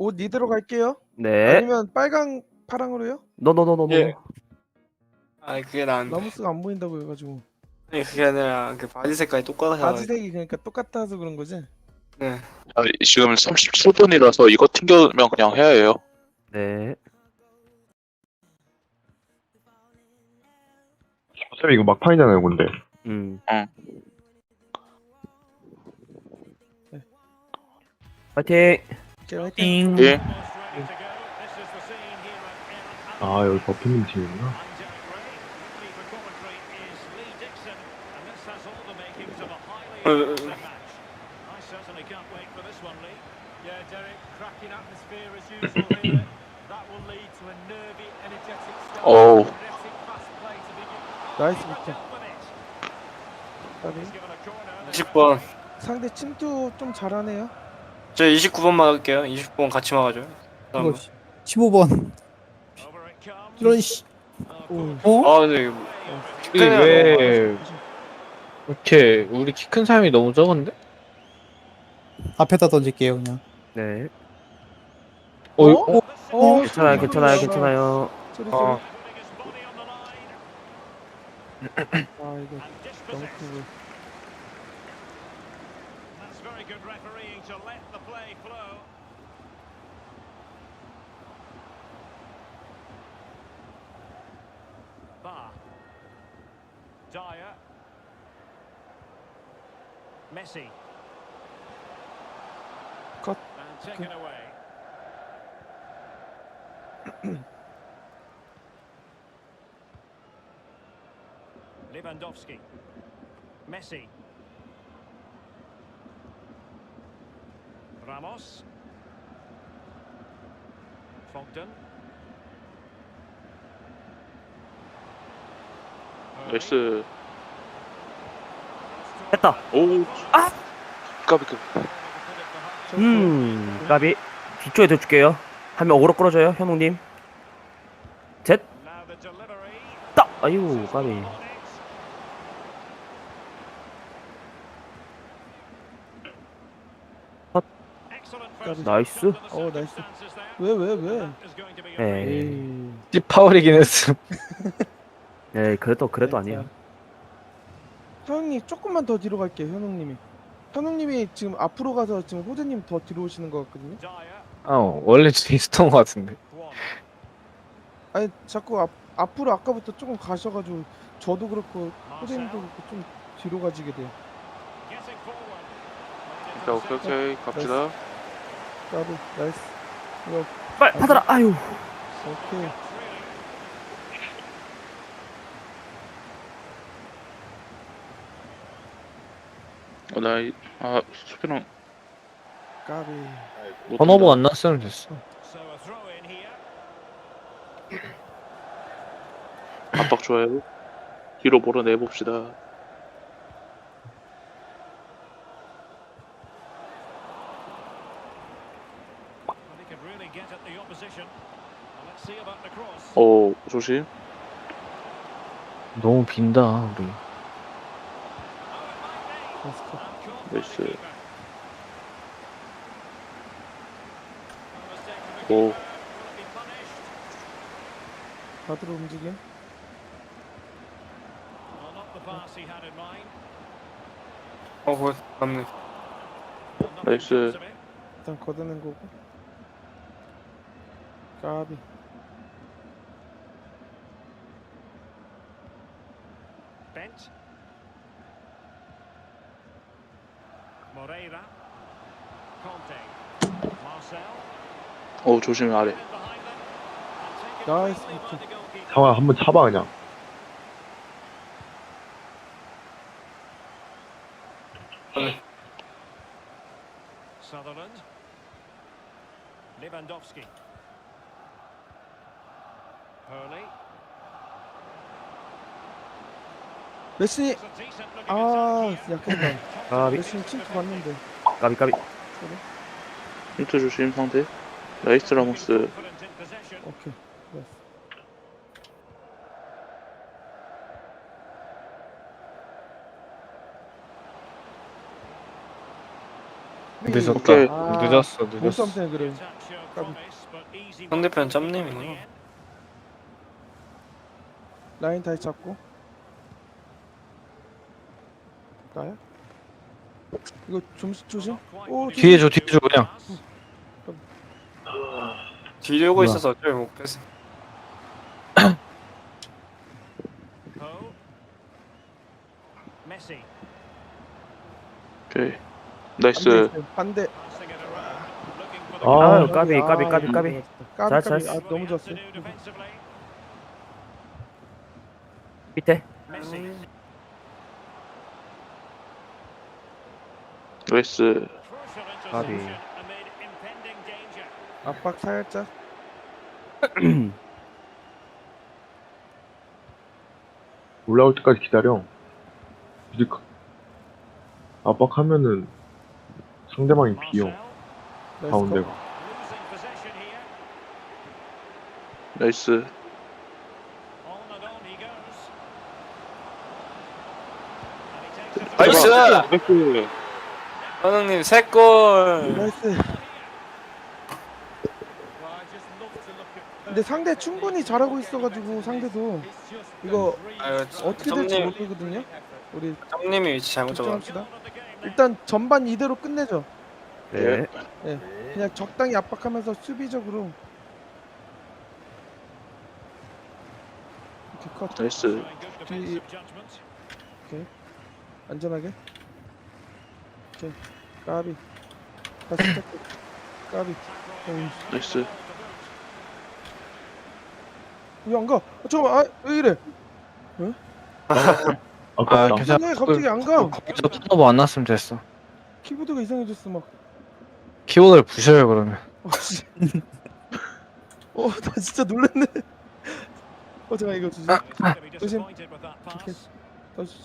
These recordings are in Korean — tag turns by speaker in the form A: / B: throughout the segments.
A: 옷 이대로 갈게요.
B: 네.
A: 아니면 빨강 파랑으로요?
B: 노노노노노.
C: 예. 아니 그게 나은데.
A: 라모스가 안 보인다고 해가지고.
C: 아니 그게 아니라 그 바지 색깔이 똑같아서.
A: 바지색이 그러니까 똑같아서 그런 거지.
C: 네.
D: 아, 지금 37분이라서 이거 튕겨면 그냥 해야 해요.
B: 네.
E: 어차피 이거 막판이잖아요, 근데.
B: 파이팅.
A: 오케이, 화이팅.
D: 예.
E: 아, 여기 버피님 팀이구나.
D: 어우.
A: 나이스 비트.
C: 20번.
A: 상대 침투 좀 잘하네요.
C: 저 29번 막을게요. 29번 같이 막아줘요.
F: 이거 15번 이런 씨.
A: 오.
F: 어?
C: 아 근데
G: 이게 왜 이렇게 우리 키 큰 사람이 너무 적은데?
F: 앞에다 던질게요 그냥.
B: 네.
A: 어?
B: 괜찮아요,
A: 소리,
B: 괜찮아요,
A: 소리.
B: 괜찮아요.
A: 소리.
G: 어.
A: 아 이거 너무 크고.
H: Dyer. Messi.
A: Cut.
H: And taken away. Lewandowski. Messi. Ramos. Fogden.
D: 나이스.
B: 했다.
D: 오.
B: 아!
D: 까비.
B: 까비. 뒤쪽에 대줄게요. 한 명 어그로 끌어줘요, 현웅님. 셋.
H: Now the delivery.
B: 딱. 아유, 까비.
H: Excellent
B: 나이스.
A: 나이스. 왜?
B: 에이.
G: 씨 파울이긴 했음.
B: 네, 그래도 아니에요.
A: 현웅님 조금만 더 뒤로 갈게요. 현웅님이. 현웅님이 지금 앞으로 가서 지금 호재님 더 뒤로 오시는 것 같거든요.
G: 원래 좀 있었던 것 같은데.
A: 아니 자꾸 앞으로 아까부터 조금 가셔가지고 저도 그렇고 호재님도 그렇고 좀 뒤로 가지게 돼요.
D: 자, 오케이. 갑시다.
A: 나도 나이스. 이거
B: 빨리 받아라. 아유.
A: 오케이.
D: 수비랑
A: 까비.
G: 턴오버 안 났으면 됐어.
D: 압박 좋아요. 뒤로 몰아내봅시다. 오, 조심.
G: 너무 빈다 우리.
D: 나이스. 오.
A: 받으러 움직임.
C: 그 맞네.
D: 나이스.
A: 일단 걷어낸 거고. 까비.
H: Bent. Moreira. Conte. Marcel.
D: 오, 조심해 아래.
A: 나이스 비트.
E: 상황 한번 차봐, 그냥.
H: Sutherland. Lewandowski. Hurley.
A: 메시. 아 약했다.
B: 까비.
A: 메시는 침투 봤는데.
B: 까비.
D: 힌트 조심 상대. 나이스 라모스.
A: 오케이. 나이스.
G: 늦었다.
D: 오케이.
G: 늦었어.
A: 몸싸움 때문에 그래.
C: 상대편 짬님이구나.
A: 라인 다시 잡고. 나야? 이거 좀 조심. 오,
G: 뒤에 줘 그냥.
C: 뒤에 오고
F: 뭐야.
C: 있어서 어쩔 못 뺐어.
H: 메시.
D: 오케이. 나이스.
A: 반대.
B: 아유, 까비.
A: 까비.
B: 잘.
A: 아, 너무 좋았어요.
B: 밑에.
D: 나이스.
B: 까비.
A: 압박 살짝.
E: 올라올 때까지 기다려. 이제 압박하면은 상대방이 비어. 가운데가.
D: 나이스.
C: 나이스!
D: 나이스.
C: 현웅님 3골.
A: 나이스. 근데 상대 충분히 잘하고 있어가지고 상대도 이거
C: 아유,
A: 어떻게 될지
C: 짬님,
A: 모르거든요. 우리
C: 짬님이 위치 잘못 잡아.
A: 걱정합시다. 일단 전반 이대로 끝내죠.
B: 네.
A: 그냥 적당히 압박하면서 수비적으로. 이렇게 컷.
D: 나이스.
A: 안전하게. 오케이. 까비. 다시 시작해. 까비.
D: 나이스.
A: 왜 안 가? 잠깐만. 왜 이래?
E: 아깝다.
G: 괜찮아.
A: 왜 갑자기 안 가?
G: 거기서 턴오버 안 났으면 됐어.
A: 키보드가 이상해졌어 막.
G: 키보드를 부셔요 그러면.
A: 씨. 나 진짜 놀랐네. 잠깐 이거 주지. 조심. 오케이. 더 주지.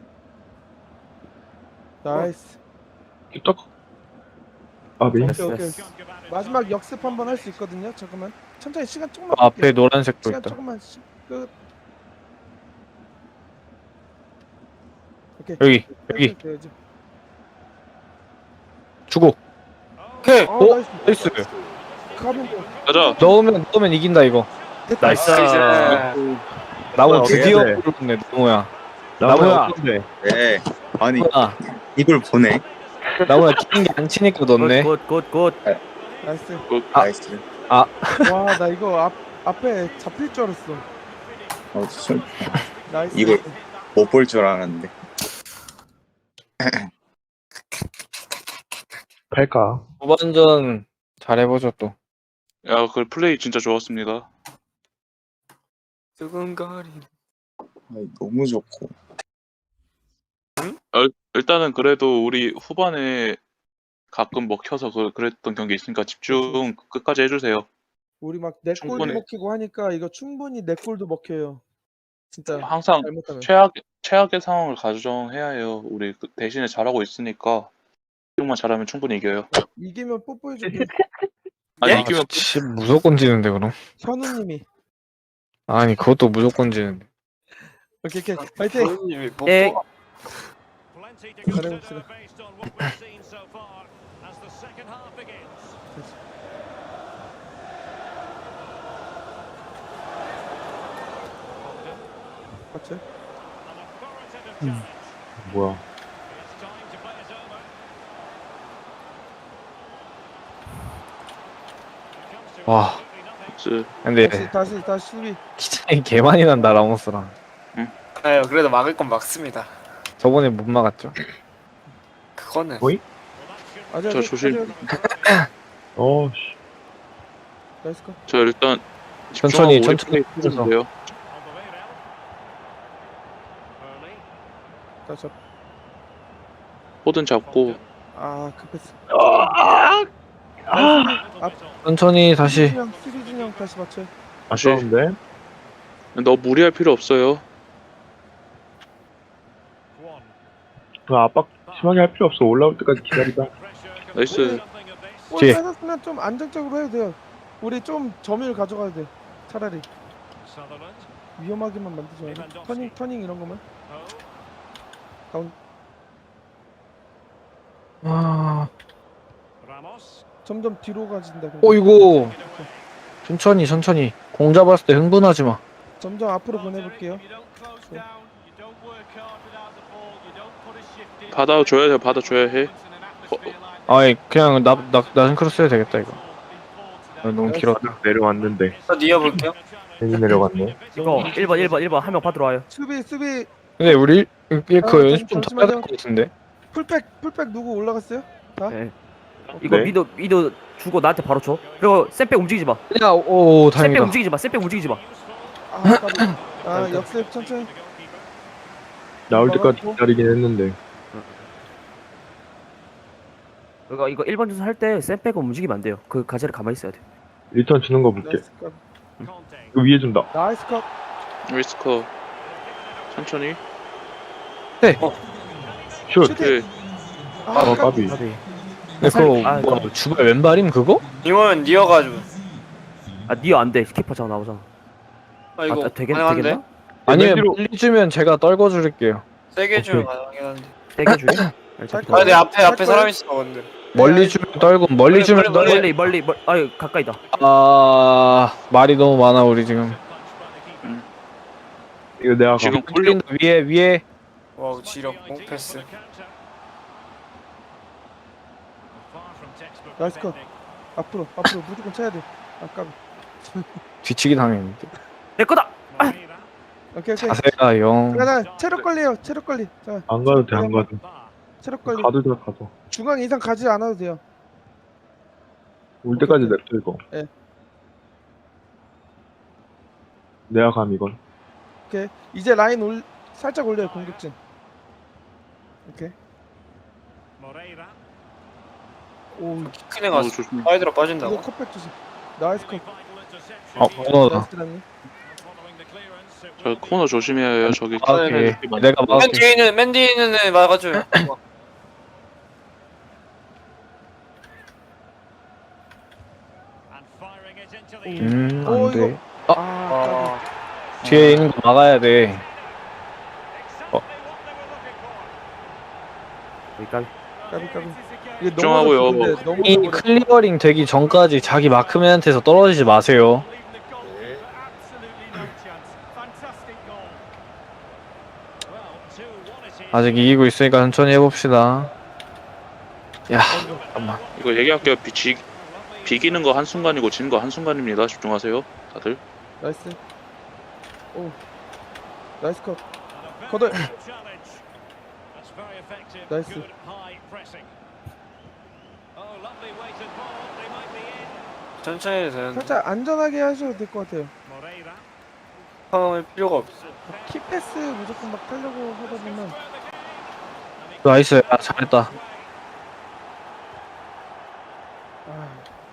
A: 나이스.
E: 딱. 아비.
A: 오케이,
B: 됐어.
A: 오케이. 마지막 역습 한번 할 수 있거든요. 잠깐만. 천천히 시간 조금만.
G: 앞에
A: 끌게요.
G: 노란색도
A: 시간
G: 있다.
A: 조금만. 끝. 오케이.
G: 여기
A: 돼야지.
G: 주고
C: 오케이.
G: 오, 나이스.
A: 가면 돼.
D: 가자.
G: 넣으면 이긴다 이거.
B: 나이스.
G: 나무 드디어
E: 네.
G: 부르네 나무야.
E: 나무야.
G: 나무야.
E: 어떤데?
I: 네. 아니
G: 나무야
I: 이걸 보내.
G: 나무야 치는 게 안 치니까 넣네.
B: 굿.
A: 나이스.
I: 나이스.
A: 와, 나 이거 앞에 잡힐 줄 알았어.
I: 좀
A: 나이스.
I: 이걸 못 볼 줄 알았는데.
E: 팔까?
G: 후반전 잘해보죠 또.
D: 야, 그 플레이 진짜 좋았습니다.
C: 두근거리는.
I: 아니, 너무 좋고.
D: 일단은 그래도 우리 후반에 가끔 먹혀서 그랬던 경기 있으니까 집중 끝까지 해주세요.
A: 우리 막 내 골도
D: 충분히.
A: 먹히고 하니까 이거 충분히 내 골도 먹혀요. 진짜
D: 항상
A: 잘못하면.
D: 최악의 상황을 가정해야 해요. 우리 대신에 잘하고 있으니까 집중만 잘하면 충분히 이겨요.
A: 이기면 뽀뽀해줄게.
D: 아니
C: 예?
D: 이기면
G: 무조건 지는데 그럼.
A: 현우님이.
G: 아니 그것도 무조건 지는데.
A: 오케이. 파이팅.
C: 현웅님이 뽀뽀.
B: 예.
A: 잘해봅시다. 맞죠?
E: 뭐야?
G: 와. 근데
A: 다시 수비.
G: 기차이 개 많이 난다 라모스랑.
C: 아유, 그래도 막을 건 막습니다.
G: 저번에 못 막았죠.
C: 그거는.
E: 어이?
D: 저 조심.
E: 씨.
A: 나이스 컷.
D: 저 일단
G: 천천히
D: 집중하고
G: 천천히
D: 우리 플레이 해주면 돼요.
A: 다시 잡.
D: 포든 잡고
A: 급했어.
G: 천천히 다시.
A: 수리진 형 다시 맞춰요.
E: 아쉬운데?
D: 너 무리할 필요 없어요.
E: 그 압박 심하게 할 필요 없어. 올라올 때까지 기다리자.
D: 나이스.
A: 골
G: 뒤에.
A: 뺏었으면 좀 안정적으로 해도 돼요. 우리 좀 점유율 가져가야 돼. 차라리 위험하게만 만들지 말고 터닝 이런 거만.
G: 아
A: 점점 뒤로 가진다.
G: 어이구. 천천히. 공 잡았을 때 흥분하지 마.
A: 점점 앞으로 보내볼게요.
D: 받아줘야 해, 받아줘야 해.
G: 아이 그냥 낮은 크로스 해도 되겠다 이거. 너무 길었다.
E: 내려왔는데
C: 저 이어볼게요.
E: 괜히 내려갔네.
B: 이거 1번 한 명 받으러 와요.
A: 수비
G: 근데 우리 이거
A: 아,
G: 연습 좀 더 해야 될 것 같은데.
A: 풀백 누구 올라갔어요?
B: 네. 이거
E: 네.
B: 미드 주고 나한테 바로 줘. 그리고 셋백 움직이지 마.
G: 야, 오
B: 셋백
G: 다행이다.
B: 움직이지 마. 셋백 움직이지 마.
A: 역습 천천히.
E: 나올 때까지 기다리긴 했는데
B: 그러니까 이거 1번 주소 할때 셋백은 움직이면 안 돼요. 그 가지를 가만히 있어야 돼.
E: 리턴 주는 거 볼게.
A: 나이스 컷.
E: 이거 위에 준다.
A: 나이스 컷.
D: 리스커. 천천히.
E: 슛.
D: 오케이.
E: 까비.
G: 근데 그거
B: 아,
G: 뭐 주발 왼발임 그거?
C: 이거면 니어가지고.
B: 니어 안 돼. 키퍼 자 나오잖아.
C: 이거
B: 되겠나?
C: 가능한데?
G: 아니면
E: 맨뒤로-
G: 빨리 주면 제가 떨궈 줄게요.
C: 세게 주면
E: 오케이.
C: 가능하긴 한데.
B: 세게 주게.
C: 아, 내 앞에 사람 있어 근데.
G: 멀리 주면 떨고 멀리 주면 떨고.
B: 멀리. 아유 가까이다.
G: 아 말이 너무 많아 우리 지금.
E: 이거 내가
D: 지금
E: 가.
D: 굴려
G: 위에.
C: 와우 지력 패스.
A: 나이스 컷. 앞으로 무조건 쳐야 돼. 아까.
G: 뒤치기 당했는데.
B: 내 거다.
A: 오케이.
G: 자세가 영.
A: 자, 체력 관리요. 체력 관리. 자,
E: 안 가도 돼, 안 가도.
A: 체력 관리.
E: 가도 돼, 가도.
A: 중앙 이상 가지 않아도 돼요.
E: 올 때까지 냅둬 이거.
A: 예.
E: 내가 감 이건.
A: 오케이. 이제 라인 살짝 올려요. 공격진. 오케이. 오,
C: 큰애 가서
D: 조심.
C: 사이드로
A: 이거
C: 빠진다고.
A: 컵백 주세요. 나이스 컷.
G: 코너다.
A: 나이스 드라니.
D: 저 코너 조심해야 해요. 저기.
G: 아, 오케이. 내가
C: 맨
G: 막을게.
C: 뒤에 있는 애 막아줘요.
G: 안 돼.
A: 아,
G: 뒤에 있는 거 막아야 돼.
B: 여기까지.
A: 까비. 이게
D: 걱정하고요.
A: 넘어졌어, 근데 너무
G: 이
A: 넘어졌어.
G: 클리어링 되기 전까지 자기 마크맨한테서 떨어지지 마세요. 아직 이기고 있으니까 천천히 해봅시다. 야, 잠깐만.
D: 이거 얘기할게요. 비기는 거 한순간이고 지는 거 한순간입니다. 집중하세요. 다들.
A: 나이스. 오. 나이스 컷. 거들. 나이스.
C: 천천히 해도 되는데.
A: 살짝 안전하게 하셔도 될 것 같아요.
C: 상황할 필요가 없어.
A: 키 패스 무조건 막 하려고 하다 보면
G: 나이스. 야, 잘했다.
A: 아,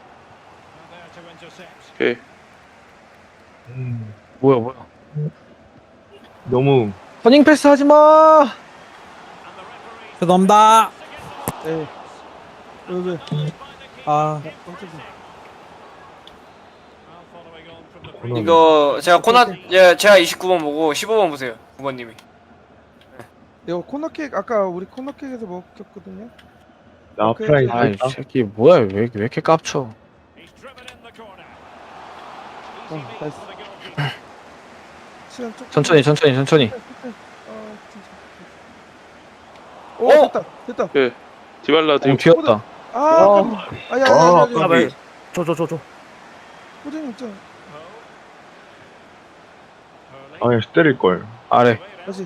D: 오케이.
G: 뭐야.
E: 너무
G: 터닝 패스 하지 마.
F: 죄송합니다.
A: 예. 왜?
F: 아,
A: 깜짝이야.
C: 이거 제가 제가 29번 보고 15번 보세요. 9번님이.
A: 이거 코너킥 아까 우리 코너킥에서 먹혔거든요.
E: 나
A: 오케이.
E: 프라이
G: 아이
E: 있다.
G: 새끼 뭐야 왜 이렇게 깝쳐?
A: 나이스. 시간 조금.
G: 천천히.
A: 진짜. 오,
C: 어?
A: 됐다.
D: 디발라
G: 공
D: 디
G: 튀었다.
A: 아, 아야.
B: 아, 줘.
A: 호정 있잖아.
E: 아야 때릴 걸.
G: 아래.
A: 다시.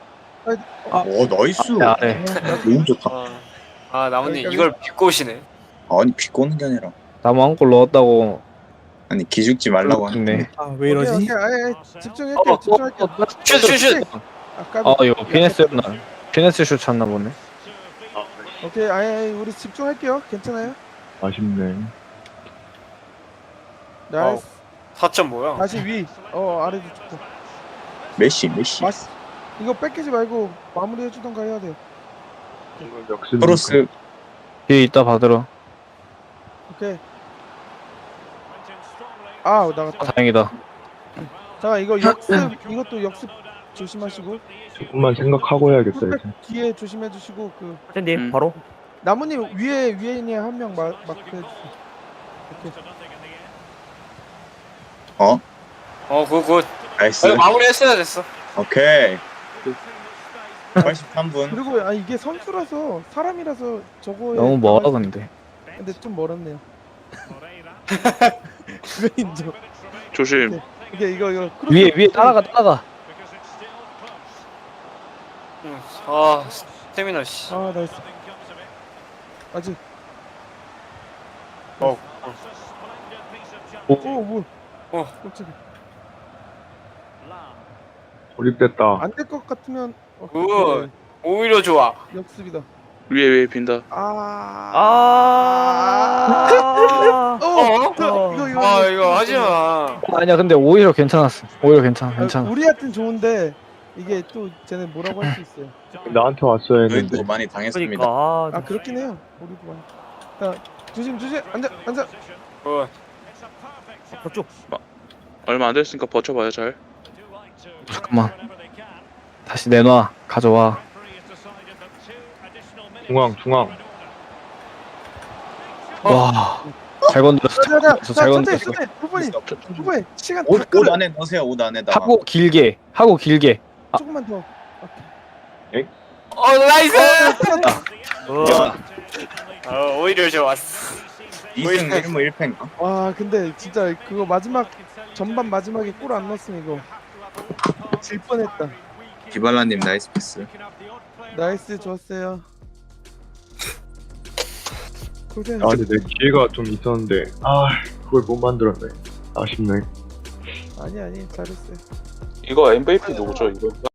I: 나이스.
G: 아래.
I: 너무 좋다.
C: 나뭇님 이걸 비꼬시네.
I: 아니 비꼬는 게 아니라
G: 나무 한 골 넣었다고.
I: 아니 기죽지 말라고 하는데.
G: 네.
F: 아, 왜 이러지?
A: 오케이. 집중할게요.
C: 슛.
G: 아 이거 피네스였나? 피네스 슛 찼나 보네.
A: 오케이. 우리 집중할게요. 괜찮아요?
E: 아쉽네.
A: 나이스.
C: 4점 뭐야?
A: 다시 위. 아래도 좋고.
I: 메시.
A: 이거 뺏기지 말고 마무리해 주던가 해야 돼요.
E: 역시
I: 크로스.
G: 뒤에 있다 받으러.
A: 오케이. 아, 나갔다.
G: 다행이다.
A: 잠깐 이것도 역습 조심하시고
E: 조금만 생각하고 해야겠다 이제.
A: 풀백 뒤에 조심해 주시고
B: 선생님
D: 음.
B: 바로.
A: 나무님 위에 있는 한 명 마크 해주세요.
C: 굿.
I: 나이스.
C: 마무리했어야 됐어.
I: 오케이. 83분.
A: 그리고 이게 선수라서 사람이라서 저거에
G: 너무 멀어 근데.
A: 근데 좀 멀었네요. 그거 인정.
D: 조심.
A: 이거
G: 위에 따라가.
C: 아 스태미너 씨.
A: 아 나이스. 아직.
C: 어.
A: 오 뭐. 깜짝이야.
E: 고립됐다.
A: 안 될 것 같으면
C: 굿. 오히려 좋아.
A: 역습이다.
D: 위에 빈다.
C: 이거 하지 마.
G: 아니야 근데 오히려 괜찮았어. 괜찮아.
A: 우리한텐 좋은데 이게 또 쟤네 뭐라고 할 수 있어요.
E: 나한테 왔어야 했는데.
I: 저희도 많이 당했습니다.
B: 그러니까
A: 그렇긴 해요. 우리도 많이. 자 조심. 앉아.
C: 굿.
B: 저쪽.
D: 얼마 안 됐으니까 버텨봐요 잘.
G: 잠깐만. 다시 내놔. 가져와.
E: 중앙.
G: 와. 잘 건드렸어. 잘 건드렸어.
A: 후보님 시간
I: 옷
A: 다 끌어.
I: 안에 넣으세요. 옷 안에다.
G: 하고 길게.
A: 조금만 더.
C: 나이스.
B: 어.
C: 오히려 좋았어.
I: 2승 1무 1패인가?
A: 와 근데 진짜 그거 전반 마지막에 골 안 넣었으면 이거 질 뻔했다.
I: 디발라님 나이스 패스.
A: 나이스 좋았어요. 고생.
E: 근데 내 기회가 좀 있었는데 그걸 못 만들었네. 아쉽네.
A: 아니 잘했어요.
D: 이거 MVP 누구죠 이거?